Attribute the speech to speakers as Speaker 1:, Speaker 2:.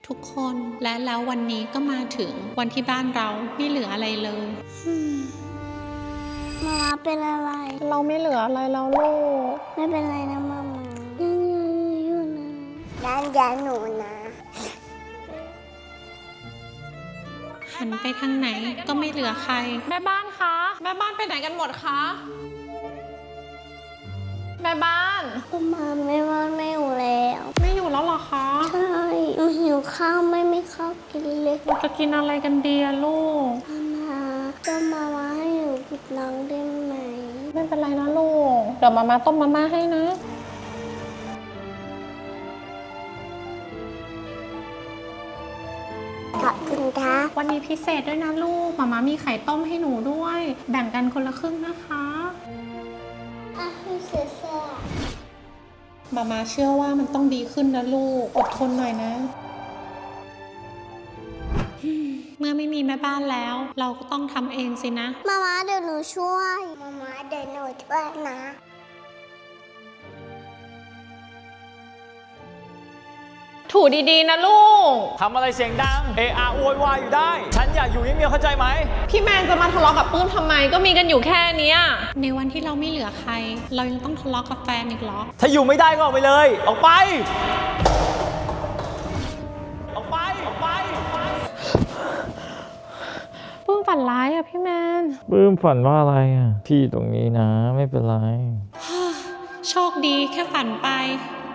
Speaker 1: ทุกคนและแล้ววันนี้ก็มาถึงวันที่บ้านเราไม่เหลืออะไรเลย
Speaker 2: มาม่าเป็นอะไร
Speaker 3: เราไม่เหลืออะไรแล้วลูก
Speaker 2: ไม่เป็นไรนะมาม่ายังอยู่นะด้านยาหนูนะ
Speaker 1: หันไปทางไหนก็ไม่เหลือใคร
Speaker 3: แม่บ้านคะแม่บ้านไปไหนกันหมดคะแม่บ้าน
Speaker 2: มาม่าไม่ว่าไม่อยู่แล้ว
Speaker 3: ไม่อยู่แล้วเหรอคะ
Speaker 2: ใช่หนูหิวข้าวไม่มีข้าวกินเลย
Speaker 3: เราจะกินอะไรกันดีอะลูก
Speaker 2: มาม่าให้หนูกินน้องได้ไหม
Speaker 3: ไม่เป็นไรนะลูกเดี๋ยวมาต้มมาม่าให้นะ
Speaker 2: ขอบคุณค่ะ
Speaker 3: วันนี้พิเศษด้วยนะลูกมามีไข่ต้มให้หนูด้วย แบ่งกันคนละครึ่งนะคะ
Speaker 2: พี่เสือ
Speaker 3: มาเชื่อว่ามันต้องดีขึ้นนะลูกอดทนหน่อยนะ
Speaker 1: เมื่อไม่มีแม่บ้านแล้ว เราก็ต้องทำเองสินะ
Speaker 2: มาม่าเดี๋ยวหนูช่วยมาม่าเดี๋ยวหนูช่วยนะ
Speaker 3: ถูดีๆนะลูก
Speaker 4: ทำอะไรเสียงดังเอะอะโวยวายอยู่ได้ ฉันอยากอยู่เงียบๆเข้าใจไหม
Speaker 3: พี่แมนจะมาทะเลาะกับปื้มทำไมก็มีกันอยู่แค่เนี้ย
Speaker 1: ในวันที่เราไม่เหลือใคร เรายังต้องทะเลาะกับแฟนอีกเหรอ
Speaker 4: ถ้าอยู่ไม่ได้ก็ออกไปเลย ออกไป ออกไป ออกไป
Speaker 3: ปื้มฝันร้ายอะพี่แมน
Speaker 4: ปื้มฝันว่าอะไรอ่ะ พี่ตรงนี้นะไม่เป็นไร
Speaker 1: โชคดีแค่ฝันไป